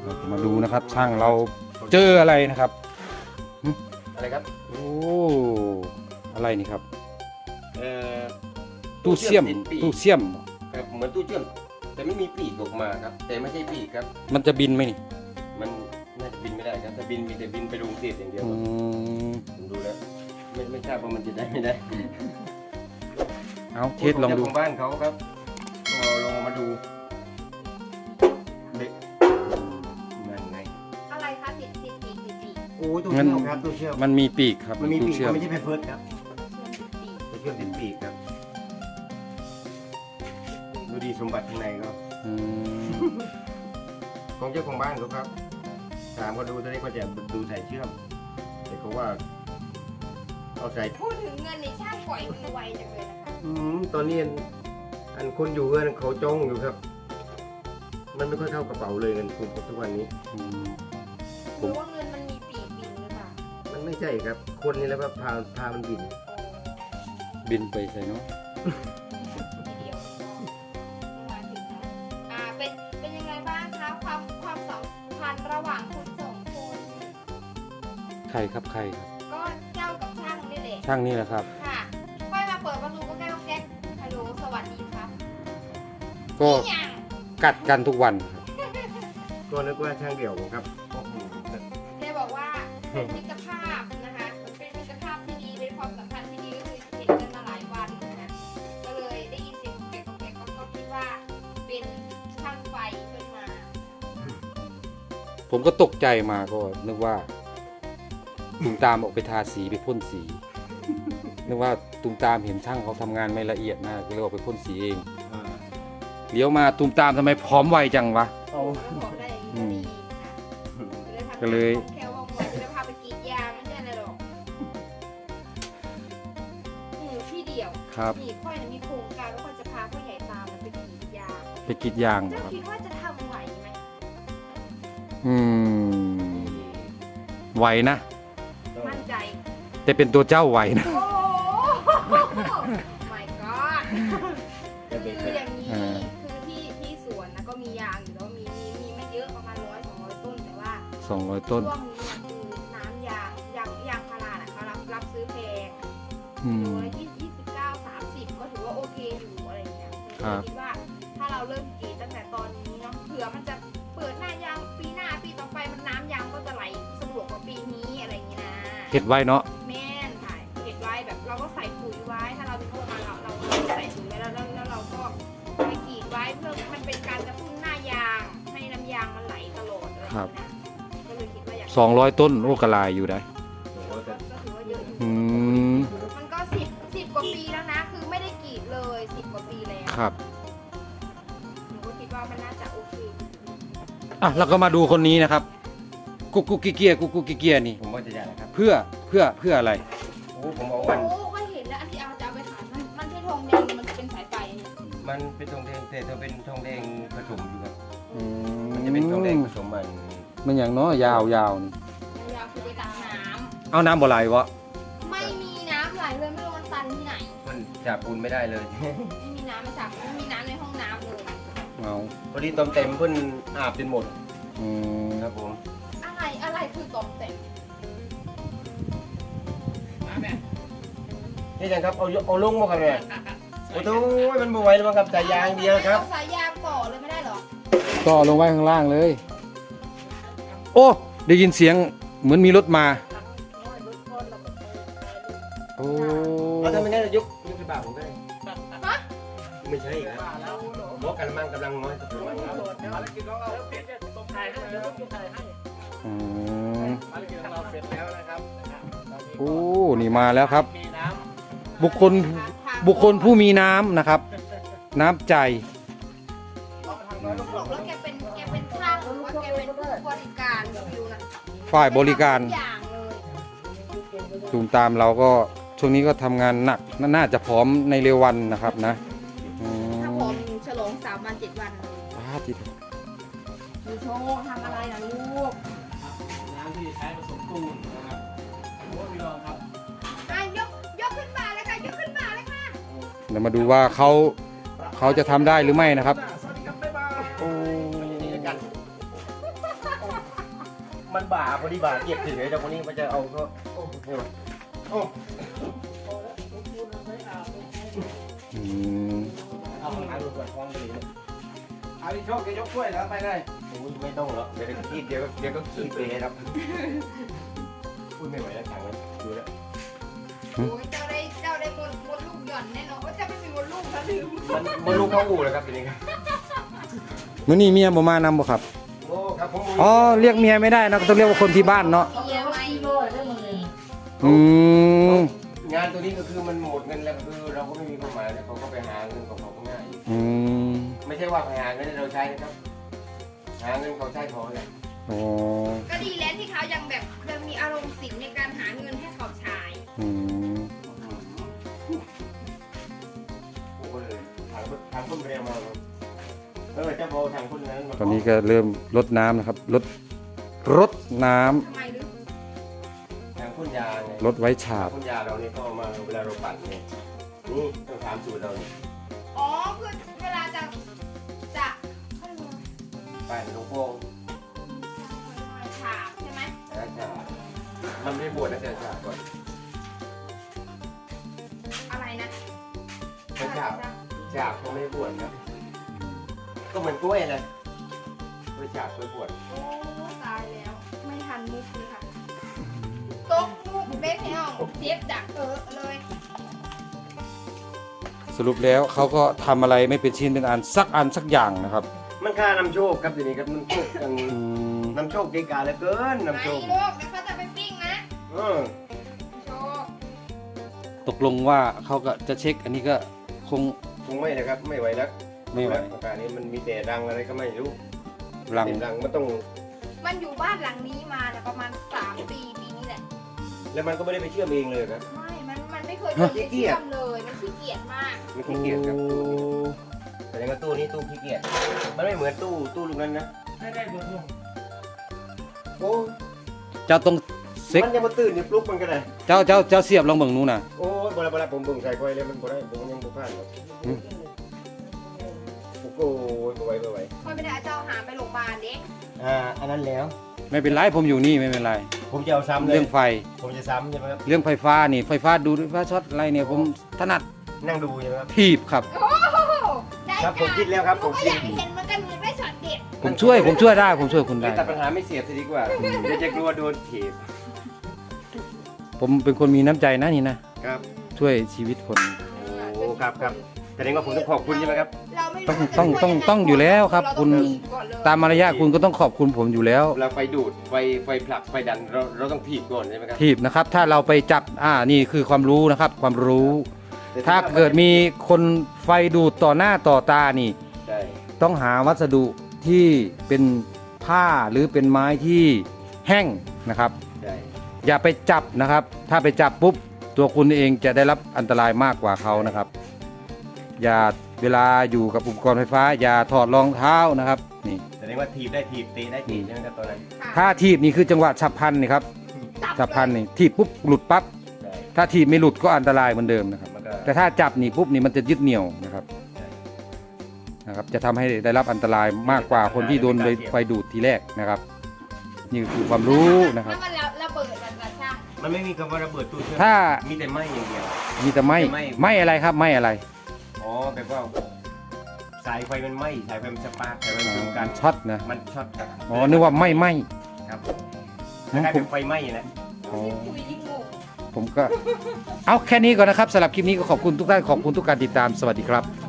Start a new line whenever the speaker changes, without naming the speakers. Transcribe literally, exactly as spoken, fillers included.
มาดูนะครับช่างเราเจออะไรนะครับ
อะไรครับ
โอ้อะไรนี่ครับ
เอ่อ
ตู้เสี่ยมตู้เสี่ยม
ครับเหมือนตู้เชื่อมแต่ไม่มีปีกออกมาครับแต่ไม่ใช่ปีกครับ
มันจะบินไหมนี่
มันน่าจะบินไม่ได้ครับถ้าบินมีแต่บินไปลงเศษอย่างเดียว
อื
ครับ
ม
ผมดูแล้วไม่ไม่ทราบว่ามันจะได้ไม่ได้
เอาเทสลองดู
เจ้าของบ้านเขาครับก็ลองมาดูเด็กนั่นไง
อะไรคะติดติดปีกติดปีก
โอ้ยตู้เชื่อมครับตู้เชื่อม
มันมีปีกครับ
มันมีปีก
ตู้เชื่อ
มั
ม
นไม่ใช่แพมเพิร์สครับ
เชื่อมติดปีก
ตู้เชื่อมติดปีกครับดูดีสมบัติข้างในก็
อืม
ของเจ้าของบ้านเขาครับถามเขาดูตอนนี้ก็จะดูสายเชื่อมแต่เขาว่าเอาสาย
พูดถึงเงินในช่างปล่อยมือไวจังเลยนะคะ
อืมตอนนี้อันอันคนอยู่เงินเขาจ้องอยู่ครับ มันไม่ค่อยเข้ากระเป๋าเลยเงินคุณทุกวันนี้
อืม
หรือว่าเงินมันมีปีกบินหรือเปล่า
มันไม่ใช่ครับ คนนี่แหล้วก็พาพามันบิน
บินไปใส่เนาะ
ทีเดียวมาถึงนะอ่าเป็นเป็นยังไงบ้างคะความความสัมพันธ์ระหว่างคุณสองคน
ใครครับใครครับ
ก็เจ้ากับช่างนี่แหละ
ช่างนี่แหละครับ
ค่ะค่อยมาเปิดประตูก็แก้วแก๊กฮัลโหลสวัสดีครับ
ก็
นี่ยัง
กัดกันทุกวันครับ
ก็นึกว่าช่างเดี่ยวผมครับโอ้โห
แกบอกว่าเป็นมิตรภาพนะคะมันเป็นมิตรภาพที่ดีเป็นความสัมพันธ์ที่ดีก็คือเห็นกันมาหลายวันนะก็เลยได้ยินเสียงแกกแกกก็คิดว่าเป็นช่างไฟขึ้นมา
ผมก็ตกใจมาก็นึกว่าตุมตามออกไปทาสีไปพ่นสี นึกว่าตุมตามเห็นช่างเขาทำงานไม่ละเอียดนะก็เลยออกไปพ่นสีเองเลี้ยวมาตุมตามทำไมพร้อมไวจังวะ
เอา
แล้วบอกได้อย่างนี้ดีนะคะ
ก็เลย
แค่ว่างวันจะพาไปกรีดยางไม่ใช่อะไรหรอกอืมพี่เดียว
ครับ
นี่ค่อยมีโครงการว่าค่อยจะพาพ่อใหญ่ตามมันไปกรีดยาง
ไปกรีดยางเหรอ
เจ้า
ครับ
คิดว่าจะทำไหวไหม
อืมไหวนะ
มั่นใจ
แต่เป็นตัวเจ้าไหวนะ
โอ้ my god คืออย่างนี้
อ่า
คือที่ที่สวนนะก็มียางอยู่แล้วมีมีมีไม่เยอะประมาณร้อยสองร้อยต้นแต่ว่า
สองร้อยต้น
ช่วงนี้คือน้ำยางยางยางพาราน่ะเขารับรับซื้อแพง
อืม
โลละยี่สิบเก้าสามสิบก็ถือว่าโอเคอยู่อะไรอย่างเงี้ย
ครับ
คิดว่าถ้าเราเริ่มกรีดตั้งแต่ตอนนี้เนาะเผื่อมันจะเปิดหน้ายางปีหน้าปีต่อไปมันน้ำยางก็จะไหลสะดวกกว่าปีนี้อะไรอย่างเงี้ยนะ
เห็ดไว้เนาะ
แม่นค่ะเก็บไว้แบบเราก็ใส่ปุ๋ยไว้ ถ้าเราเป็นพวกมันเราเราใส่ปุ๋ยไว้แล้วแล้วแล้วเราก็ไปกรีดไว้เพื่อมันเป็นการกระตุ้นหน้ายางให้น้ำยางมันไหลตลอดอะไรอย่างเงี้ยนะก็เลยคิดว่าอยาก
สองร้อยต้นโอ้กระลายอยู่ได้
ก็ถือว่าเยอะอยู่
อืม
มันก็สิบสิบกว่าปีแล้วนะ คือไม่ได้กรีดเลยสิบกว่าปีแล้ว
ครับ
หนูก็คิดว่ามันน่าจะโอเค
อ่ะเราก็มาดูคนนี้นะครับ กุ๊กกุ๊กกิเกียกุ๊กกุ๊กกิเกียนี่
ผมว่าจะใหญ่นะครับ
เพื่อเพื่อเพื่ออะไร
โอ้ผมเอา
โอ้
วัน
ก็เห็นแล้วอันที่เอาจะเอาไปขายมันมันใช่ทองแดงมันเป็นสายไฟ
มันเป็นทองแดงแต่จะเป็นทองแดงผสมอยู่ครับ
อื
มันจะเป็นทองแดงผสมมัน
มันอย่างเนาะยาวยาวนี่
ยาวคือไปตักน้
เอาน้ำบ่ไหลวะ
ำไม่มีน้ำไหลเลยไม่รู้มันตันที่ไหน
มันจับปูนไม่ได้เลย
ไม่มีน้ำไม่สระไม่มีน้ำในห้องน้ำเลย
เอา
พอดีต้มเต็มเพิ่นอาบจนหมด
อืม
ครับผม
อะไรอะไรคือตอมเต็ม
นี่จังครับเอายกเอาลงมาครับเนี่ยโอ้โหมันบ่ไหวแล้วมั้งครับสายยางเดียวครับ
อาสายยางต่อเลยไม่ได้เหรอ
ก็ลงไว้ข้างล่างเลย โอ้ได้ยินเสียงเหมือนมีรถมา โอ้
เอาถ้าไม่งั้นยกยกกระบะผมก็ได้
ฮะ
ไม่ใช่ครับรถกระมังกำลังน้อยครับกำลังน้อย
อืม
ภารกิจของเราเสร็จแล้วนะครับ
โอ้นี่มาแล้วครับ
มีน้
บุคคลบุคคลผู้มีน้ำนะครับ น้ำใจ
บอกแล้วแกเป็นแกเป็นช่างหรือว่าแกเป็นผู้บริการฟิวนะ
ฝ่ายบริการ
ทุอย่างเลย
ตูมตามเราก็ช่วงนี้ก็ทำงานหนักนน่าจะพร้อมในเร็ววันนะครับนะอื
ถ้าผม มฉลองสามวันเจ็ดวันเลย
ว้าจิต
ดูโชว์ทำอะไรนะลูก
ำน้ำที่ใช้ผสมปูนนะครับโอ้พี่รองครับ
อ่ะยกยกขึ้นมาเลยค่ะยกขึ้นมาเลยค่ะ
เดี๋ยวมาดูว่าเขาเขาจะทำได้หรือไม่นะครับ
สวัสดีครับบ๊ายบาย
โอ้
นี่แล้วกัน
โอ้
มันบ่าพอดีบ่าเก็บถึงเลยแต่คนนี้มันจะเอาก็โอ้ไม่ไหวโอ้
อืม
เอาข้างหลังดูก่อนคล้องไปเลยเอาพี่โชคแกยกถ้วยแล้วไปเลย
โหไม่ต้องหรอกเดี๋ยวก็ขี้เดี๋ยวเดี๋ยวก็ขี้เปรย์ครับพูดไม่ไหวแล้วถังเลยดูแล้ว
โอ้ยเจ้าได้เจ้าได้มดมดลูกหย่อนแน่นอนว่าเจ้าไม่มีมดลูกแล้วลืม
มันมันลูกเข้าอู่แล้วครับทีนี้ครับ
มื้อนี้เมียบ่มานำบ่ครับ
โอ้ครับผม
อ๋อเรียกเมียไม่ได้นะก็ต้องเรียกว่าคนที่บ้านเนาะ
เมียไม่
อืม
งานตัวนี้ก็คือมันหมดเงินแล้วก็คือเราก็ไม่มีความหมายแล้วเขาก็ไปหาเงินของเขาก็ง่าย
อืม
ไม่ใช่ว่าไปหาเงินให้เราใช้นะครับหาเงินเขาใช้พอเลย
อ๋อ
ก็ดีแล้วที่เขายังแบบยังมีอารมณ์ศิลป์ในการหาเงินให้เขาใช้
อืม
โอ้โหเลยทางทางคนเรียมาเออจะพอทางคนนั้นมา
ตอนนี้ก็เริ่มลดน้ำนะครับลดรดน้ำ
ทำไมหรือ
ทางคนยาไง
ลดไว้ฉา
ทาง
บ
คนยาเราเนี่ยก็เอามาเวลาเราปั่นเนี่ยนี่ต้องถามสูตรเราเนี่ย
อ๋อคือเวลาจะจะเขาเรียกว่า
ปั่นลูกโป่ง
ฉาบใช่ไหม
นะจ๊ะมันไม่บวชนะจ๊ะจ๊ะก่อน
อะไรนะ
ไม่ฉาบฉาบเขาไม่บวชนะก็เหมือนกล้วยเลยกล้วยฉาบกล้วยบวช
โอ้ตายแล้ว ไม่ทันมุกเลยค่ะตกมุกเบ็ดให้น้องเจ็บดักเออเลย
สรุปแล้วเขาก็ทำอะไรไม่เป็นชิ้นเป็นอันสักอันสักอย่างนะครับ
มันค่านำโชคครับทีนี้ครับมันโชคกัน
อืม
นำโชคเกกาเหลือเกิน
ไหน
นำโชค
ลูกเดี๋ยวเขาจะไปปิ้งนะ
เออ
โชค
ตกลงว่าเขาก็จะเช็คอันนี้ก็คง
คงไม่นะครับไม่ไหวแล้ว
ไม่ไหว
อาการนี้มันมีแต่รังอะไรก็ไม่รู้
รัง
แต่รังมันต้อง
มันอยู่บ้านหลังนี้มาเนี่ยประมาณสามปีปีนี้แหละ
แล้วมันก็ไม่ได้ไปเชื่อมเองเลยครับ
ไม่ มัน มันไม่เคยเดินไปเชื่อมเลย มันขี้เกียจมาก
มันขี้เกียจครับตู้แต่ในตู้นี้ตู้ขี้เกียจมันไม่เหมือนตู้ตู้ลูกนั้นนะ
ให้ได้บทลง
โอ้
เจ้าต้องเซ็ก
มันยังมาตื่นอยู่ปลุกมันก็ได้
เจ้าเจ้าเจ้าเสียบลองเบิ่งนู้นน่ะ
โอ้ยบลาบลาผมเบิ่งใส่ไฟเลยมันบ่ได้ผมยังบ่ผ่านหรอก
อืม
โอ้โหบ่ไหวบ่ไหว
ค่อยไปได้เจ้าหาไปโรงพยาบาลเด็ก
อ่าอันนั้นแล้ว
ไม่เป็นไรผมอยู่นี่ไม่เป็นไร
ผมจะเอาซ้ำเลย
เรื่องไฟ
ผมจะซ้ำใช่ไหมครับ
เรื่องไฟฟ้านี่ไฟฟ้าดูดไฟฟ้าช็อตอะไรเนี่ยผมถนัด
นั่งดูใช่ไหมครับ
ถีบครับ
โอ้โหได้
ครับผมคิดแล้วครับ
ผม
ผมคิ
ก็
ด
อยากเห็นเหมันกันมือได้ช็อตเด็ด
ผมช่วยผมช่วยได้ผมช่วยคุณได้
ตัดปัญหาไม่เสียบซะดีกว่าเดี๋ยวจะกลัวโดนถีบ
ผมเป็นคนมีน้ำใจนะนี่นะครับ ช่วยชีวิตคน
โอ้ครับครับแสดงว่าผมต้องขอบคุณใช่ไหมครับ
เราไม่รู้
ต้อง
จะ
ต้อง
ช่วย
ต้อง
ยัไ
ต้องอยู่แล้วครับ
เา
คุณ
ต้องถีบก่อนเลย
ตามมารยาทคุณก็ต้องขอบคุณผมอยู่แล้ว
เราไฟดูดไฟไฟผลักไฟดันเราเราต้องถีบก่อนใช่ไหมครับ
ถีบนะครับ ถ้าเราไปจับอ่านี่คือความรู้นะครับ ความรู้ ถ้าเกิดมีคนไฟดูดต่อหน้าต่อตานี่
ใช่
ต้องหาวัสดุที่เป็นผ้าหรือเป็นไม้ที่แห้งนะครับ
ใช่
อย่าไปจับนะครับ ถ้าไปจับปุ๊บตัวคุณเองจะได้รับอันตรายมากกว่าเขานะครับ อย่าเวลาอยู่กับอุปกรณ์ไฟฟ้า อย่าถอดรองเท้านะครับนี่
แสดงว่าถีบได้ถีบเตะได้ถีบใช่ไหมครับตอนนั้น
ค่ะ
ถ้าถีบนี่คือจังหวะฉับพลันนี่ครับฉับพลันนี่ถีบปุ๊บหลุดปั๊บ
ใช่
ถ้าถีบไม่หลุดก็อันตรายเหมือนเดิมนะครับ
มันก็
แต่ถ้าจับนี่ปุ๊บนี่มันจะยึดเหนี่ยวนะครับนะครับ จะทำให้ได้รับอันตรายมากกว่าคนที่โดนไฟดูดทีแรกนะครับ นี่คือความรู้นะครับ
ถ้ามันระเบิดมันจะช่าง
มันไม่มีคำว่าระเบิดตู้เชื่อม
ถ้า
มีแต่ไหม้อย่างเดียว
มีแต่ไม่
ไม่
ไม่อะไรครับไม่อะไร
อ๋อแบบว่าสายไฟมันไหม้สายไฟมันสปาร์กสายไฟมันจุ่มกัน
ช็อตนะ
มันช็อตครับ
อ๋อนึกว่าไม่ไหม
ครับ
อืม
คล้ายๆเป็นไฟไหม้นะ
อ๋อ
คุยยิ่งงง
ผมก็ เอาแค่นี้ก่อนนะครับสำหรับคลิปนี้ก็ขอบคุณทุกท่านขอบคุณทุกการติดตามสวัสดีครับ